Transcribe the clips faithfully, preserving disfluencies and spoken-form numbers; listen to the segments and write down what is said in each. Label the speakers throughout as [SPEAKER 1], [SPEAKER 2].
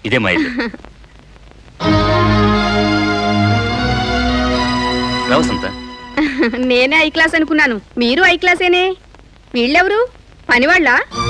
[SPEAKER 1] ఇదే మా ఇల్లు. వసంత,
[SPEAKER 2] నేనే ఐ క్లాస్ అనుకున్నాను. మీరు ఐ క్లాసేనే. వీళ్ళెవరు? పనివాళ్ళ?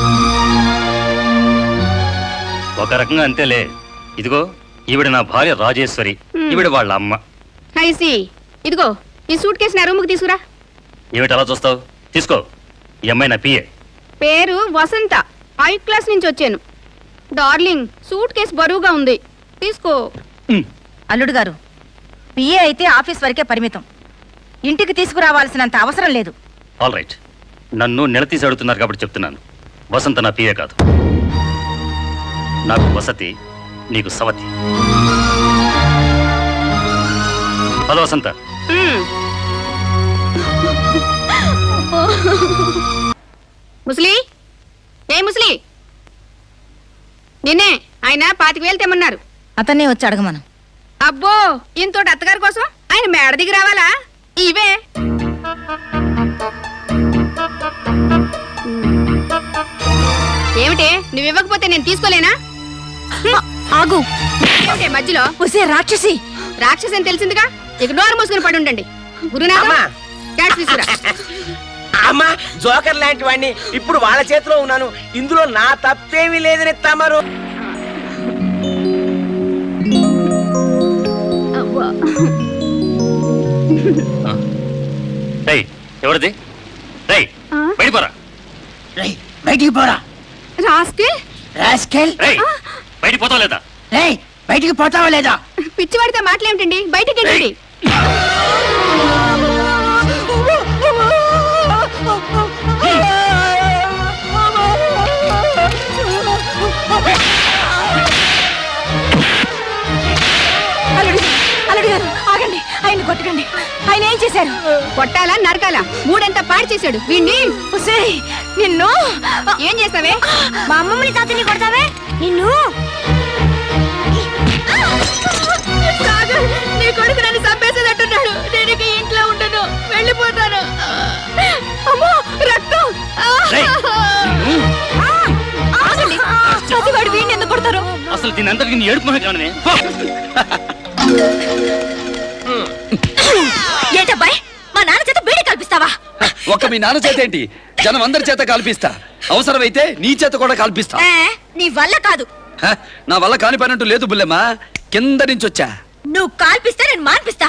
[SPEAKER 1] ఒక రకంగా అంతేలే. ఇదిగో ఈవిడ నా భార్య రాజేశ్వరి, ఈవిడ వాళ్ళ అమ్మ.
[SPEAKER 2] ఐసి. ఇదిగో ఈ సూట్ కేసు నా రూముకి తీసుకురా.
[SPEAKER 1] ఏమిటి అలా చూస్తావు? తీసుకో. ఈ అమ్మాయి నా పిఏ.
[SPEAKER 2] పేరు వసంత. ఐ క్లాస్ నుంచి వచ్చాను. డార్లింగ్, సూట్ కేసు బరువుగా ఉంది, తీసుకో.
[SPEAKER 3] అల్లుడు గారు, పిఏ అయితే ఆఫీస్ వరకే పరిమితం, ఇంటికి తీసుకురావాల్సినంత అవసరం లేదు.
[SPEAKER 1] ఆల్ రైట్, నన్ను నిలదీసి అడుగుతున్నారు కాబట్టి చెప్తున్నాను. వసంత నా పిఏ కాదు. నాకు వసతి, నీకు సవతి. హలో వసంత.
[SPEAKER 2] ముసలి, ఏ ముసలి, నిన్నే ఆయన పాతిక వేలు తెమ్మన్నారు.
[SPEAKER 3] అతన్నే వచ్చి అడగమను.
[SPEAKER 2] అబ్బో, ఇంతోటి అత్తగారి కోసం ఆయన మేడ దిగి రావాలా? ఇవే ఏమిటే, నువ్వు ఇవ్వకపోతే నేను తీసుకోలేనా?
[SPEAKER 3] ఆగు.
[SPEAKER 2] ఏమిటే మధ్యలో?
[SPEAKER 3] ఒసే రాక్షసి.
[SPEAKER 2] రాక్షసి అని తెలిసిందిగా, ఇక నోరు మూసుకుని పడి ఉండండి. గురునాథ, క్యాష్ తీసుకురా.
[SPEAKER 4] అమ్మా, జోకర్ లాంటి వాడిని ఇప్పుడు వాళ్ళ చేతిలో ఉన్నాను. ఇందులో నా తప్పేమీ లేదని తమరు.
[SPEAKER 1] ఎవరిది? బయటికి పోరా.
[SPEAKER 4] బయటికి పోరా.
[SPEAKER 2] రాస్కెల్.
[SPEAKER 4] రాస్కెల్.
[SPEAKER 1] బయటికి పోతావా లేదా?
[SPEAKER 4] బయటికి పోతావా లేదా?
[SPEAKER 2] పిచ్చివాడితే మాటలేమిటండి, బయటికి వెళ్ళండి.
[SPEAKER 3] ఆగండి, ఆయన కొట్టకండి. ఆయన ఏం చేశారు?
[SPEAKER 2] కొట్టాలా నరకాలా? మూడంతా పాడు చేశాడు వీణ్ణి.
[SPEAKER 3] నిన్ను
[SPEAKER 2] ఏం చేస్తావే?
[SPEAKER 3] మా అమ్మమ్మని తాతని కొడతావే నిన్ను.
[SPEAKER 2] నీ కొడుకు నన్ను చంపేసేటట్టున్నాడు. నేను ఇక ఇంట్లో ఉండను, వెళ్ళిపోతాను. అమ్మో, రక్తం.
[SPEAKER 3] వాడు వీడిని ఎందుకు కొడతారు?
[SPEAKER 1] అసలు దీని అంతటికి నీ ఏడుపు మహా.
[SPEAKER 3] ఏంటబ్బాయి, మా నాన్న చేత బీడి కల్పిస్తావా?
[SPEAKER 5] ఒక మీ నాన్న చేత ఏంటి, జనం అందరి చేత కల్పిస్తా. అవసరమైతే నీ చేత కూడా కల్పిస్తా.
[SPEAKER 3] నీ వల్ల కాదు.
[SPEAKER 5] నా వల్ల కాని పని అంటూ లేదు బుల్లెమ్మా, కింద నుంచి వచ్చా.
[SPEAKER 3] నువ్వు కాల్పిస్తే నేను మాన్పిస్తా.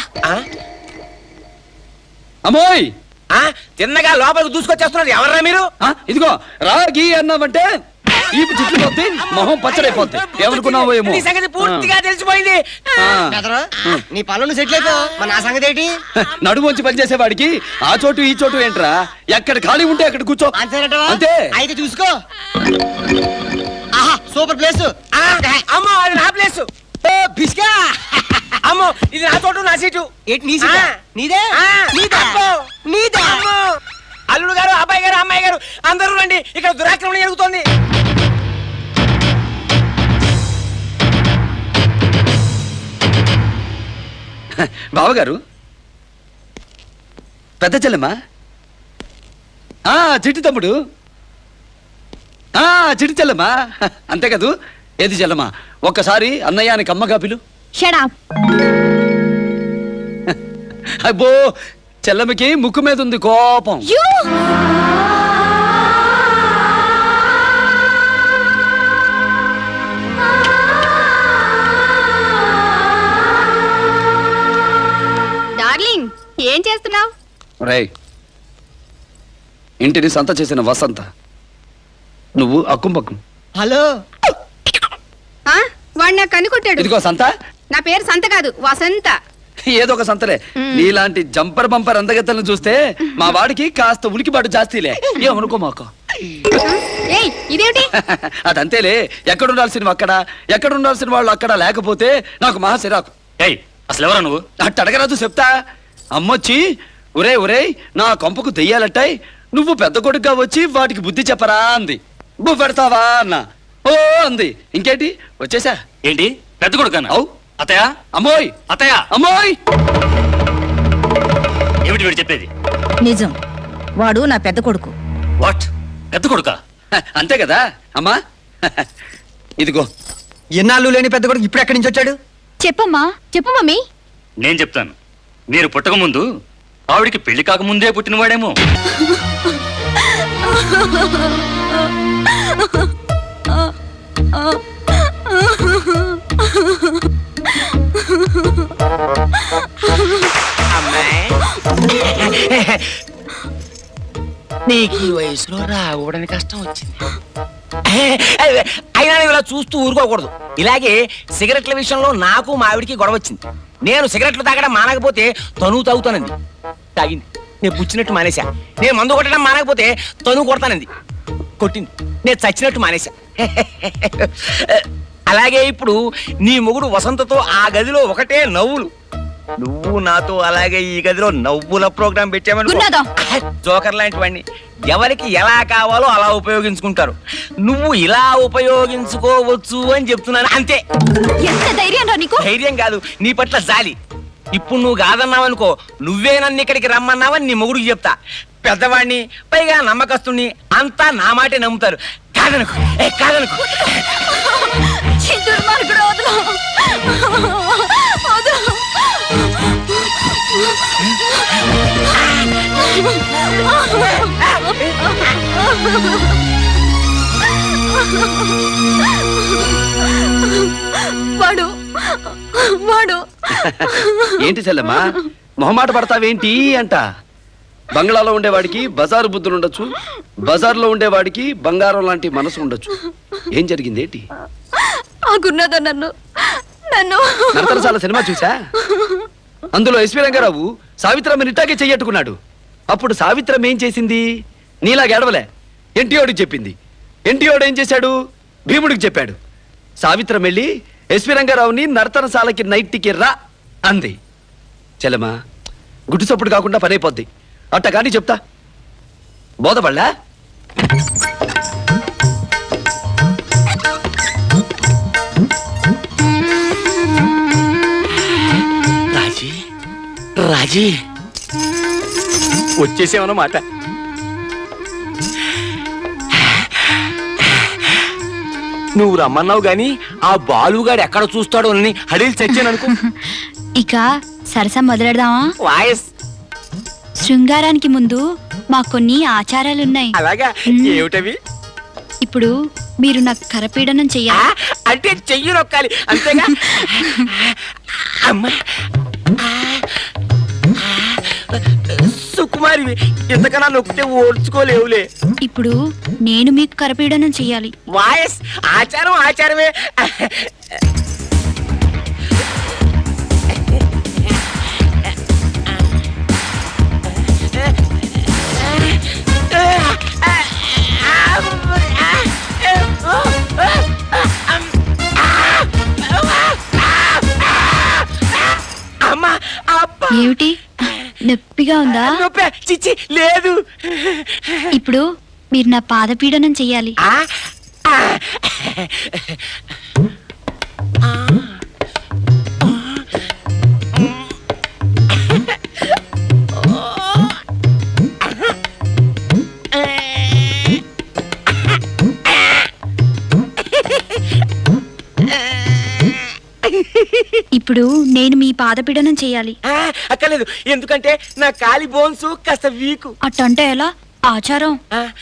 [SPEAKER 5] అమ్మోయ్,
[SPEAKER 4] తిన్నగా లోపలికి దూసుకొచ్చేస్తున్నారు. ఎవర్రా మీరు?
[SPEAKER 5] ఇదిగో రాగి అన్నామంటే ఈ చుట్టూ పోతే మొహం పచ్చడైపోద్ది. ఏమనుకున్నావో ఏమో.
[SPEAKER 4] సంగతి పూర్తిగా తెలిసిపోయింది.
[SPEAKER 6] నీ పనులు సెటిల్ అయిపో. మన నా సంగతి ఏంటి?
[SPEAKER 5] నడుమొంచి పనిచేసేవాడికి ఆ చోటు ఈ చోటు ఏంట్రా? ఎక్కడ ఖాళీ ఉంటే అక్కడ కూర్చో. అంతే.
[SPEAKER 6] అయితే చూసుకో. ఆహా, సూపర్ ప్లేస్.
[SPEAKER 4] అమ్మో, అది నా ప్లేస్.
[SPEAKER 6] బిస్కా.
[SPEAKER 4] అమ్మో, ఇది నా చోటు, నా సీటు.
[SPEAKER 6] ఏంటి నీ సీటా? నీదే?
[SPEAKER 4] నీదే.
[SPEAKER 6] నీదే.
[SPEAKER 4] అల్లుడు గారు, అబ్బాయి గారు, అమ్మాయి గారు అందరూ రండి, ఇక్కడ దురాక్రమణ జరుగుతోంది.
[SPEAKER 5] బావగారు, పెద్ద చెల్లెమ్మా, ఆ చిట్టి తమ్ముడు, ఆ చిట్టి చెల్లెమ్మా, అంతే కదూ. ఏది చెల్లెమ్మా, ఒక్కసారి అన్నయ్యానికి అమ్మగా పిలు. అబ్బో, చెల్లెమ్మకి ముక్కు మీద ఉంది కోపం.
[SPEAKER 2] డార్లింగ్, ఏం చేస్తున్నావు?
[SPEAKER 5] రేయ్, ఇంటిని సంత చేసిన వసంత, నువ్వు అక్కుంపక్కం.
[SPEAKER 6] హలో.
[SPEAKER 2] వాడు నాకు కనుకొట్టాడు.
[SPEAKER 5] ఇదిగో సంత.
[SPEAKER 2] నా పేరు సంత కాదు, వసంత.
[SPEAKER 5] ఏదో ఒక సంతలే. నీలాంటి జంపర్ బంపర్ అందగత్తలను చూస్తే మా వాడికి కాస్త ఉలికిపాటు జాస్తీలే. ఏమనుకో మాకు.
[SPEAKER 2] ఇదేమిటి?
[SPEAKER 5] అదంతేలే, ఎక్కడుండాల్సిన అక్కడ, ఎక్కడుండాల్సిన వాళ్ళు అక్కడ లేకపోతే నాకు మహా సిరాకు.
[SPEAKER 1] అసలు ఎవరా నువ్వు?
[SPEAKER 5] అట్ట అడగరాదు, చెప్తా. అమ్మొచ్చి ఒరే ఒరే నా కొంపకు దెయ్యాలట్టాయి, నువ్వు పెద్ద కొడుకుగా వచ్చి వాటికి బుద్ధి చెప్పరా అంది. బు పెడతావా అన్న. ఓ అంది. ఇంకేంటి వచ్చేసా.
[SPEAKER 1] ఏంటి పెద్ద కొడుకు?
[SPEAKER 5] అవు
[SPEAKER 1] అతయా.
[SPEAKER 5] అమ్మోయ్,
[SPEAKER 1] అతయా,
[SPEAKER 5] అమ్మోయ్.
[SPEAKER 1] ఏమిటి వీడు చెప్పేది?
[SPEAKER 3] నిజం, వాడు నా పెద్ద కొడుకు.
[SPEAKER 1] వాట్? పెద్ద కొడుకా?
[SPEAKER 5] అంతే కదా అమ్మా. ఇదిగో
[SPEAKER 6] ఎన్నాళ్ళు లేని పెద్ద కొడుకు ఇప్పుడు ఎక్కడి నుంచి వచ్చాడు?
[SPEAKER 2] చెప్పమ్మా చెప్పు మమ్మీ.
[SPEAKER 1] నేను చెప్తాను. మీరు పుట్టక ముందు ఆవిడికి పెళ్లి కాకముందే పుట్టినవాడేమో.
[SPEAKER 4] అమ్మాయి నీకు ఈ వయసులో రావడానికి కష్టం వచ్చింది. అయినా నువ్వు ఇలా చూస్తూ ఊరుకోకూడదు. ఇలాగే సిగరెట్ల విషయంలో నాకు మావిడికి గొడవ వచ్చింది. నేను సిగరెట్లు తాగడం మానకపోతే తను తాగుతానంది. తాగింది. నేను పుచ్చినట్టు మానేశా. నేను మందు కొట్టడం మానకపోతే తను కొడతానంది. కొట్టింది. నేను చచ్చినట్టు మానేశా. అలాగే ఇప్పుడు నీ మొగుడు వసంతతో ఆ గదిలో ఒకటే నవ్వులు. నువ్వు నాతో అలాగే ఈ గదిలో నవ్వుల ప్రోగ్రాం పెట్టామని జోకర్ లాంటి వాడిని ఎవరికి ఎలా కావాలో అలా ఉపయోగించుకుంటారు. నువ్వు ఇలా ఉపయోగించుకోవచ్చు అని చెప్తున్నాను అంతే.
[SPEAKER 2] ఎంత ధైర్యం రా నీకు?
[SPEAKER 4] ధైర్యం కాదు, నీ పట్ల జాలి. ఇప్పుడు నువ్వు కాదన్నావనుకో, నువ్వే నన్ను ఇక్కడికి రమ్మన్నావని నీ మొగుడికి చెప్తా. పెద్దవాడిని, పైగా నమ్మకస్తుని, అంతా నా మాటే నమ్ముతారు. కాదనుకో, ఏ కాదనుకో.
[SPEAKER 2] దుర్మార్గుడు, వదలు. వదలు. వాడు వాడు
[SPEAKER 5] ఏంటి చెల్లెమ్మా మొహమాట పడతావేంటి అంట? బంగ్లాలో ఉండేవాడికి బజారు బుద్ధులు ఉండొచ్చు, బజార్లో ఉండేవాడికి బంగారం లాంటి మనసు ఉండొచ్చు. ఏం జరిగింది ఏంటి?
[SPEAKER 2] ఆ గురునాథ నన్ను నన్ను
[SPEAKER 5] నరతరసాల సినిమా చూసా? అందులో ఎస్వి రంగారావు సావిత్రమ్మ నిట్టాగే చెయ్యట్టుకున్నాడు. అప్పుడు సావిత్రమ్మ ఏం చేసింది? నీలా గెడవలే, ఎన్టీఓడికి చెప్పింది. ఎన్టీఓడు ఏం చేశాడు? భీముడికి చెప్పాడు. సావిత్రమ్మ వెళ్ళి ఎస్వి రంగారావుని నర్తనశాలకి నైట్కి రా అంది. చెల్లెమ్మా గుడ్డు చప్పుడు కాకుండా పనైపోద్ది. అట్ట కానీ చెప్తా బోధపడలా?
[SPEAKER 4] రాజీ రాజీ వచ్చేసేమన్నమాట. నువ్వు రమ్మన్నావు గాని ఆ బాలుగాడు ఎక్కడ చూస్తాడో అని హడీలు చచ్చాననుకో.
[SPEAKER 7] ఇక సరసం మొదలెడదామా?
[SPEAKER 4] వాయస్
[SPEAKER 7] శృంగారానికి ముందు మాకు కొన్ని ఆచారాలున్నాయి.
[SPEAKER 4] అలాగా? ఏమిటవి?
[SPEAKER 7] ఇప్పుడు మీరు నాకు కరపీడనం చెయ్యాలి.
[SPEAKER 4] అంటే చెయ్యి నొక్కాలి అంతేగా? అమ్మా సుకుమారి, ఎంతకన్నా నొక్కితే ఓడ్చుకోలేవులే.
[SPEAKER 7] ఇప్పుడు నేను మీకు కరపీడనం చెయ్యాలి.
[SPEAKER 4] వాయస్ ఆచారం ఆచారమే.
[SPEAKER 7] ఏమిటి నొప్పిగా ఉందా?
[SPEAKER 4] నొప్పి చిచ్చి లేదు.
[SPEAKER 7] ఇప్పుడు మీరు నా పాదపీడనం చెయ్యాలి. ఇప్పుడు నేను మీ పాదపీడనం చెయ్యాలి.
[SPEAKER 4] అక్కర్లేదు, ఎందుకంటే నా కాలి బోన్స్ కాస్త వీకు.
[SPEAKER 7] అట్టంటే ఎలా? ఆచారం.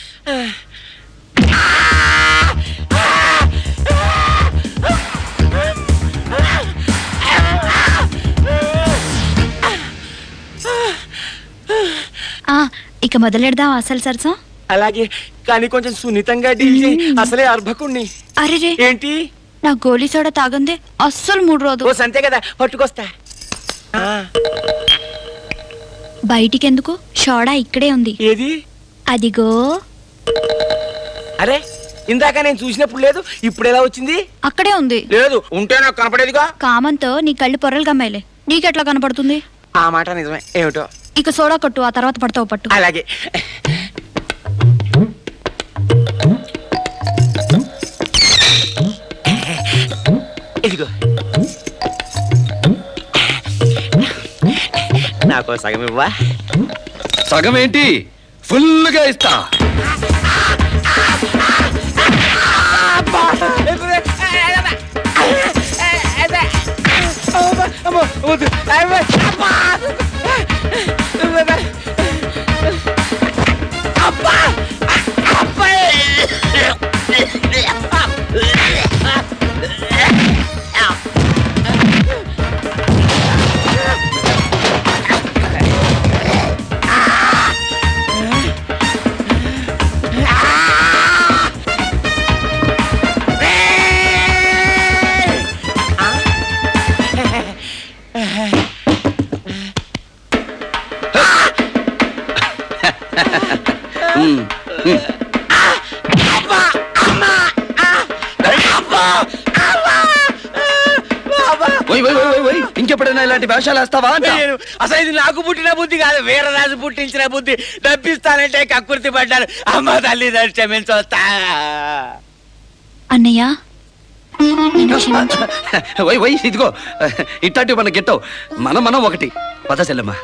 [SPEAKER 7] ఆ ఇక మొదలెడదాం అసలు సరసం.
[SPEAKER 4] అలాగే, కానీ కొంచెం సున్నితంగా డీల్ చేయి. అసలే అర్భకుణ్ణి.
[SPEAKER 7] అరే
[SPEAKER 4] ఏంటి?
[SPEAKER 7] నా గోలీ సోడా తాగందే అస్సలు మూడు రోజు.
[SPEAKER 4] ఓ సంతే కదా, పట్టుకొస్తా.
[SPEAKER 7] బయటికెందుకు? సోడా ఇక్కడే ఉంది.
[SPEAKER 4] ఏది?
[SPEAKER 7] అదిగో.
[SPEAKER 4] అరే, ఇందాక నేను చూసినప్పుడు లేదు, ఇప్పుడు ఎలా వచ్చింది?
[SPEAKER 7] అక్కడే ఉంది.
[SPEAKER 4] లేదు, ఉంటే నాకు కనపడేదిగా.
[SPEAKER 7] కామంతో నీ కళ్ళు పొరలు గమ్మాయిలే, నీకెట్లా కనపడుతుంది?
[SPEAKER 4] ఆ మాట నిజమే. ఏమిటో.
[SPEAKER 7] ఇక సోడా కొట్టు, ఆ తర్వాత పడతావు పట్టు.
[SPEAKER 4] అలాగే. ఇదిగో నాకు సగం ఇవ్వా?
[SPEAKER 5] సగం ఏంటి, ఫుల్గా ఇస్తా.
[SPEAKER 4] బుద్ధి అబ్బా! అబ్బా! అబ్బా! అబ్బా!
[SPEAKER 5] ఉమ్, ఉమ్. ఓయ్, ఓయ్, ఓయ్, ఓయ్, ఓయ్. ఇంకెప్పుడైనా ఇలాంటి వేషాలు వేస్తావా అంట?
[SPEAKER 4] నేను అసలు ఇది నాకు పుట్టిన బుద్ధి కాదు, వీరరాజు పుట్టించిన బుద్ధి. డబ్బిస్తానంటే కక్కుర్తి పడ్డాను. అమ్మ తల్లి క్షమించొస్తా.
[SPEAKER 7] అన్నయ్య నన్ను క్షమించు.
[SPEAKER 5] ఓయ్ ఓయ్ ఇదిగో ఇట్లాంటివి మన గిట్టవు. మనం మనం ఒకటి పద చెల్లెమ్మా.